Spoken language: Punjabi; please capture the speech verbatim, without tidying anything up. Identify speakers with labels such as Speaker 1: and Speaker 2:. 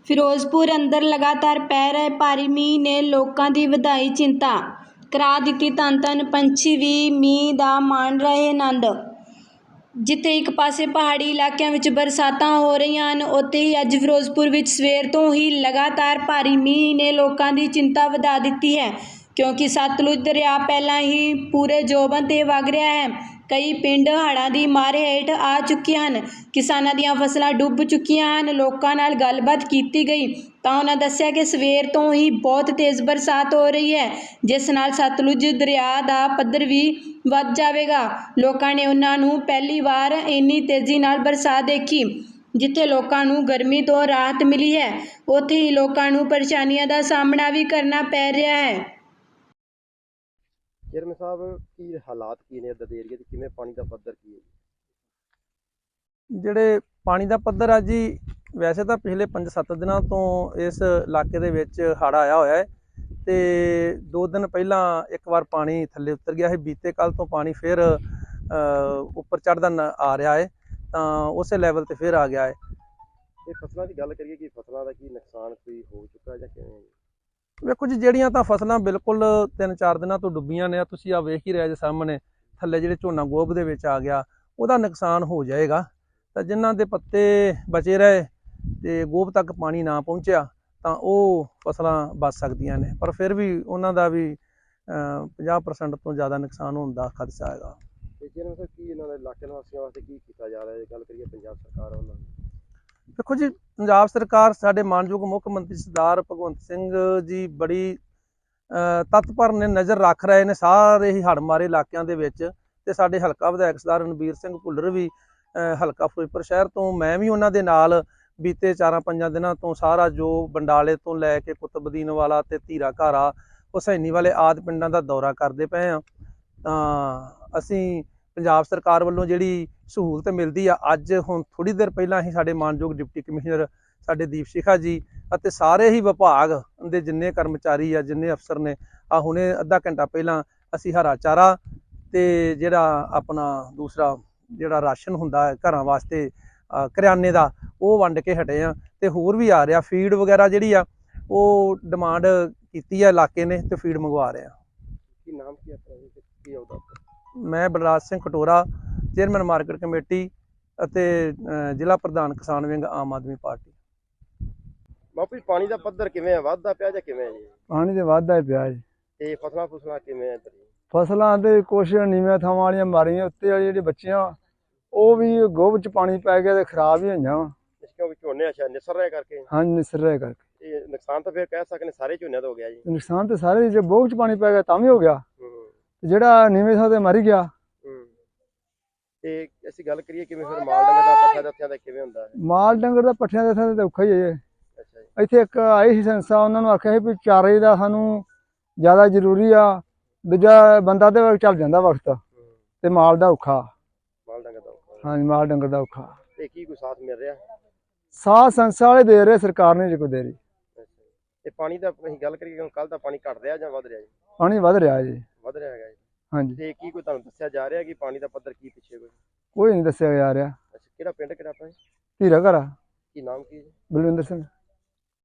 Speaker 1: ਫਿਰੋਜ਼ਪੁਰ ਅੰਦਰ ਲਗਾਤਾਰ ਪੈ ਰਹੇ ਭਾਰੀ ਮੀਂਹ ਨੇ ਲੋਕਾਂ ਦੀ ਵਧਾਈ ਚਿੰਤਾ ਕਰਾ ਦਿੱਤੀ। ਧੰਨ ਧੰਨ ਪੰਛੀ ਵੀ ਮੀਂਹ ਦਾ ਮਾਣ ਰਹੇ ਆਨੰਦ। ਜਿੱਥੇ ਇੱਕ ਪਾਸੇ ਪਹਾੜੀ ਇਲਾਕਿਆਂ ਵਿੱਚ ਬਰਸਾਤਾਂ ਹੋ ਰਹੀਆਂ ਹਨ, ਉੱਥੇ ਹੀ ਅੱਜ ਫਿਰੋਜ਼ਪੁਰ ਵਿੱਚ ਸਵੇਰ ਤੋਂ ਹੀ ਲਗਾਤਾਰ ਭਾਰੀ ਮੀਂਹ ਨੇ ਲੋਕਾਂ ਦੀ ਚਿੰਤਾ ਵਧਾ ਦਿੱਤੀ ਹੈ, ਕਿਉਂਕਿ ਸਤਲੁਜ ਦਰਿਆ ਪਹਿਲਾਂ ਹੀ ਪੂਰੇ ਜੋਬਨ 'ਤੇ ਵਗ ਰਿਹਾ ਹੈ। ਕਈ ਪਿੰਡ ਹੜ੍ਹਾਂ ਦੀ ਮਾਰ ਹੇਠ ਆ ਚੁੱਕੇ ਹਨ। ਕਿਸਾਨਾਂ ਦੀਆਂ ਫਸਲਾਂ ਡੁੱਬ ਚੁੱਕੀਆਂ ਹਨ। ਲੋਕਾਂ ਨਾਲ ਗੱਲਬਾਤ ਕੀਤੀ ਗਈ ਤਾਂ ਉਹਨਾਂ ਦੱਸਿਆ ਕਿ ਸਵੇਰ ਤੋਂ ਹੀ ਬਹੁਤ ਤੇਜ਼ ਬਰਸਾਤ ਹੋ ਰਹੀ ਹੈ, ਜਿਸ ਨਾਲ ਸਤਲੁਜ ਦਰਿਆ ਦਾ ਪੱਧਰ ਵੀ ਵੱਧ ਜਾਵੇਗਾ। ਲੋਕਾਂ ਨੇ ਉਹਨਾਂ ਨੂੰ ਪਹਿਲੀ ਵਾਰ ਇੰਨੀ ਤੇਜ਼ੀ ਨਾਲ ਬਰਸਾਤ ਦੇਖੀ। ਜਿੱਥੇ ਲੋਕਾਂ ਨੂੰ ਗਰਮੀ ਤੋਂ ਰਾਹਤ ਮਿਲੀ ਹੈ, ਉੱਥੇ ਹੀ ਲੋਕਾਂ ਨੂੰ ਪਰੇਸ਼ਾਨੀਆਂ ਦਾ ਸਾਹਮਣਾ ਵੀ ਕਰਨਾ ਪੈ ਰਿਹਾ ਹੈ।
Speaker 2: ਚੇਅਰਮੈਨ ਸਾਹਿਬ, ਕੀ ਹਾਲਾਤ ਕੀ ਨੇ ਇੱਧਰ ਦੇ ਏਰੀਏ ਦੇ, ਕਿਵੇਂ ਪਾਣੀ ਦਾ ਪੱਧਰ ਕੀ ਹੈ?
Speaker 3: ਜਿਹੜੇ ਪਾਣੀ ਦਾ ਪੱਧਰ ਆ ਜੀ, ਵੈਸੇ ਤਾਂ ਪਿਛਲੇ ਪੰਜ ਸੱਤ ਦਿਨਾਂ ਤੋਂ ਇਸ ਇਲਾਕੇ ਦੇ ਵਿੱਚ ਹੜ੍ਹ ਆਇਆ ਹੋਇਆ ਹੈ ਤੇ ਦੋ ਦਿਨ ਪਹਿਲਾਂ ਇੱਕ ਵਾਰ ਪਾਣੀ ਥੱਲੇ ਉਤਰ ਗਿਆ ਹੈ। ਬੀਤੇ ਕੱਲ ਤੋਂ ਪਾਣੀ ਫਿਰ ਉੱਪਰ ਚੜ੍ਹਦਾ ਆ ਰਿਹਾ ਹੈ, ਤਾਂ ਉਸੇ ਲੈਵਲ ਤੇ ਫਿਰ ਆ ਗਿਆ ਹੈ।
Speaker 2: ਇਹ ਫਸਲਾਂ ਦੀ ਗੱਲ ਕਰੀਏ ਕਿ ਫਸਲਾਂ ਦਾ ਕੀ ਨੁਕਸਾਨ ਕੋਈ ਹੋ ਚੁੱਕਾ ਜਾਂ ਕਿਵੇਂ?
Speaker 3: ਵੇਖੋ ਜੀ, ਜਿਹੜੀਆਂ ਤਾਂ ਫਸਲਾਂ ਬਿਲਕੁਲ ਤਿੰਨ ਚਾਰ ਦਿਨਾਂ ਤੋਂ ਡੁੱਬੀਆਂ ਨੇ, ਤੁਸੀਂ ਆ ਵੇਖ ਹੀ ਰਹੇ ਜੇ ਸਾਹਮਣੇ ਥੱਲੇ ਜਿਹੜੇ ਝੋਨਾ ਗੋਭ ਦੇ ਵਿੱਚ ਆ ਗਿਆ, ਉਹਦਾ ਨੁਕਸਾਨ ਹੋ ਜਾਏਗਾ। ਤਾਂ ਜਿਨ੍ਹਾਂ ਦੇ ਪੱਤੇ ਬਚੇ ਰਹੇ ਤੇ ਗੋਭ ਤੱਕ ਪਾਣੀ ਨਾ ਪਹੁੰਚਿਆ ਤਾਂ ਉਹ ਫਸਲਾਂ ਬਚ ਸਕਦੀਆਂ ਨੇ, ਪਰ ਫਿਰ ਵੀ ਉਹਨਾਂ ਦਾ ਵੀ ਪੰਜਾਹ ਪਰਸੈਂਟ ਤੋਂ ਜ਼ਿਆਦਾ ਨੁਕਸਾਨ ਹੋਣ ਦਾ ਖਦਸ਼ਾ ਹੈਗਾ।
Speaker 2: ਤੇ ਜਿਹਨਾਂ ਦਾ ਕੀ ਇਹਨਾਂ ਦੇ ਇਲਾਕੇ ਨਿਵਾਸੀਆਂ ਵਾਸਤੇ ਕੀ ਕੀਤਾ ਜਾ ਰਿਹਾ ਹੈ? ਗੱਲ ਕਰੀਏ ਪੰਜਾਬ ਸਰਕਾਰ ਵੱਲੋਂ।
Speaker 3: ਦੇਖੋ ਜੀ, ਪੰਜਾਬ ਸਰਕਾਰ, ਸਾਡੇ ਮਾਨਯੋਗ ਮੁੱਖ ਮੰਤਰੀ ਸਰਦਾਰ ਭਗਵੰਤ ਸਿੰਘ ਜੀ ਬੜੀ ਤਤਪਰ ਨੇ, ਨਜ਼ਰ ਰੱਖ ਰਹੇ ਨੇ ਸਾਰੇ ਹੀ ਹੜ੍ਹ ਮਾਰੇ ਇਲਾਕਿਆਂ ਦੇ ਵਿੱਚ। ਤੇ ਸਾਡੇ ਹਲਕਾ ਵਿਧਾਇਕ ਸਰਦਾਰ ਰਣਬੀਰ ਸਿੰਘ ਭੁੱਲਰ ਵੀ ਹਲਕਾ ਫਿਰੋਜ਼ਪੁਰ ਸ਼ਹਿਰ ਤੋਂ, ਮੈਂ ਵੀ ਉਹਨਾਂ ਦੇ ਨਾਲ ਬੀਤੇ ਚਾਰਾਂ ਪੰਜਾਂ ਦਿਨਾਂ ਤੋਂ ਸਾਰਾ ਜੋ ਬੰਡਾਲੇ ਤੋਂ ਲੈ ਕੇ ਕੁਤਬਦੀਨ ਵਾਲਾ ਤੇ ਧੀਰਾ ਘਾਰਾ, ਹੁਸੈਨੀ ਵਾਲੇ ਆਦਿ ਪਿੰਡਾਂ ਦਾ ਦੌਰਾ ਕਰਦੇ ਪਏ ਹਾਂ। ਤਾਂ ਅਸੀਂ ਪੰਜਾਬ ਸਰਕਾਰ ਵੱਲੋਂ ਜਿਹੜੀ ਸਹੂਲਤ ਮਿਲਦੀ ਆ, ਅੱਜ ਹੁਣ ਥੋੜ੍ਹੀ ਦੇਰ ਪਹਿਲਾਂ ਹੀ ਸਾਡੇ ਮਾਨਯੋਗ ਡਿਪਟੀ ਕਮਿਸ਼ਨਰ ਸਾਡੇ ਦੀਪ ਸ਼ਿਖਾ ਜੀ ਅਤੇ ਸਾਰੇ ਹੀ ਵਿਭਾਗ ਦੇ ਜਿੰਨੇ ਕਰਮਚਾਰੀ ਆ, ਜਿੰਨੇ ਅਫਸਰ ਨੇ, ਆ ਹੁਣੇ ਅੱਧਾ ਘੰਟਾ ਪਹਿਲਾਂ ਅਸੀਂ ਹਰਾ ਚਾਰਾ ਤੇ ਜਿਹੜਾ ਆਪਣਾ ਦੂਸਰਾ ਜਿਹੜਾ ਰਾਸ਼ਨ ਹੁੰਦਾ ਹੈ ਘਰਾਂ ਵਾਸਤੇ ਕਰਿਆਨੇ ਦਾ, ਉਹ ਵੰਡ ਕੇ ਹਟੇ ਆ। ਤੇ ਹੋਰ ਵੀ ਆ ਰਿਹਾ ਫੀਡ ਵਗੈਰਾ, ਜਿਹੜੀ ਆ ਉਹ ਡਿਮਾਂਡ ਕੀਤੀ ਆ ਇਲਾਕੇ ਨੇ, ਤੇ ਫੀਡ ਮੰਗਵਾ ਰਹੇ ਆ।
Speaker 2: ਕੀ ਨਾਮ ਕੀ ਆਪਣਾ, ਕੀ ਉਹਦਾ?
Speaker 3: ਮੈਂ ਬਲਰਾਜ ਸਿੰਘ ਕਟੋਰਾ, ਚੇਅਰਮੈਨ ਮਾਰਕੀਟ ਕਮੇਟੀ ਅਤੇ ਜ਼ਿਲ੍ਹਾ ਪ੍ਰਧਾਨ ਕਿਸਾਨ ਵਿੰਗ ਆਮ ਆਦਮੀ ਪਾਰਟੀ।
Speaker 2: ਬਾਪੂ ਜੀ, ਪਾਣੀ ਦਾ ਪੱਧਰ ਕਿਵੇਂ ਹੈ? ਵੱਧਦਾ ਪਿਆ ਜਾਂ ਕਿਵੇਂ ਜੀ?
Speaker 4: ਪਾਣੀ ਤੇ ਵੱਧਦਾ ਹੀ ਪਿਆ ਜੀ।
Speaker 2: ਤੇ ਫਸਲਾਂ ਫੁਸਲਾਂ ਕਿਵੇਂ ਹੈ ਇੱਧਰ?
Speaker 4: ਫਸਲਾਂ ਤੇ ਕੁਛ ਨੀਵੀਆਂ ਥਾਵਾਂ ਵਾਲੀਆਂ ਮਾਰੀਆਂ, ਉੱਤੇ ਵਾਲੀ ਜਿਹੜੀ ਬੱਚੀਆਂ ਉਹ ਵੀ ਗੋਭ ਚ ਪਾਣੀ ਪੈ ਗਿਆ ਤੇ ਖਰਾਬ ਹੀ ਹੋਈਆਂ ਵਾ।
Speaker 2: ਕਿਉਂਕਿ ਝੋਨੇ ਅੱਛਾ ਨਿਸਰ ਰਹੇ ਕਰਕੇ।
Speaker 4: ਹਾਂਜੀ, ਨਿਸਰ ਰਹੇ ਕਰਕੇ।
Speaker 2: ਇਹ ਨੁਕਸਾਨ ਤਾਂ ਫਿਰ ਕਹਿ ਸਕਦੇ ਸਾਰੇ ਝੋਨਿਆਂ ਦਾ ਹੋ ਗਿਆ ਜੀ।
Speaker 4: ਨੁਕਸਾਨ ਤੇ ਸਾਰੇ, ਜੇ ਗੋਭ ਚ ਪਾਣੀ ਪੈ ਗਿਆ ਤਾਂ ਵੀ ਹੋ ਗਿਆ, ਜਿਹੜਾ ਨੀਵੇਂ ਥਾਂ ਤੇ ਮਰ ਗਿਆ।
Speaker 2: ਤੇ ਅਸੀਂ ਗੱਲ ਕਰੀਏ ਕਿਵੇਂ ਫਿਰ ਮਾਲ ਡੰਗਰ ਦਾ, ਪੱਠਿਆਂ ਦੱਥਿਆਂ ਦਾ ਕਿਵੇਂ ਹੁੰਦਾ ਹੈ?
Speaker 4: ਮਾਲ ਡੰਗਰ ਦਾ ਪੱਠਿਆਂ ਦੇ ਥਾਂ ਤੇ ਔਖਾ ਹੀ ਹੈ।
Speaker 2: ਅੱਛਾ ਜੀ।
Speaker 4: ਇੱਥੇ ਇੱਕ ਆਈ ਸੀ ਸੰਸਥਾ, ਉਹਨਾਂ ਨੂੰ ਆਖਿਆ ਸੀ ਵੀ ਚਾਰੇ ਦਾ ਸਾਨੂੰ ਜ਼ਿਆਦਾ ਜ਼ਰੂਰੀ ਆ, ਦੂਜਾ ਬੰਦਾ ਤੇ ਚੱਲ ਜਾਂਦਾ ਵਕਤ, ਤੇ ਮਾਲ ਦਾ ਔਖਾ।
Speaker 2: ਮਾਲ ਡੰਗਰ ਦਾ ਔਖਾ?
Speaker 4: ਹਾਂਜੀ, ਮਾਲ ਡੰਗਰ ਦਾ ਔਖਾ।
Speaker 2: ਤੇ ਕੀ ਕੋਈ ਸਾਥ ਮਿਲ ਰਿਹਾ?
Speaker 4: ਸਾਥ ਸੰਸਥਾ ਵਾਲੇ ਦੇ ਰਹੇ, ਸਰਕਾਰ ਨੇ ਜੇ ਕੋਈ ਦੇ ਰਹੀ।
Speaker 2: ਤੇ ਪਾਣੀ ਦਾ ਅਸੀਂ ਗੱਲ ਕਰੀਏ, ਕੱਲ ਦਾ ਪਾਣੀ ਘਟ ਰਿਹਾ ਜਾਂ ਵੱਧ ਰਿਹਾ ਜੀ?
Speaker 4: ਪਾਣੀ ਵੱਧ ਰਿਹਾ ਜੀ।
Speaker 2: ਵੱਧ ਰਿਹਾ ਹੈਗਾ ਜੀ।
Speaker 4: ਹਾਂਜੀ।
Speaker 2: ਤੇ ਕੀ ਕੋਈ ਤੁਹਾਨੂੰ ਦੱਸਿਆ ਜਾ ਰਿਹਾ ਕਿ ਪਾਣੀ ਦਾ ਪੱਧਰ ਕੀ ਪਿੱਛੇ ਕੋਈ?
Speaker 4: ਕੋਈ ਨਹੀਂ ਦੱਸਿਆ ਜਾ ਰਿਹਾ।
Speaker 2: ਅੱਛਾ, ਕਿਹੜਾ ਪਿੰਡ ਕਿਹੜਾ ਆਪਣਾ?
Speaker 4: ਧੀਰਾ ਘਾਰਾ।
Speaker 2: ਕੀ ਨਾਮ ਕੀ ਜੀ?
Speaker 4: ਬਲਵਿੰਦਰ ਸਿੰਘ।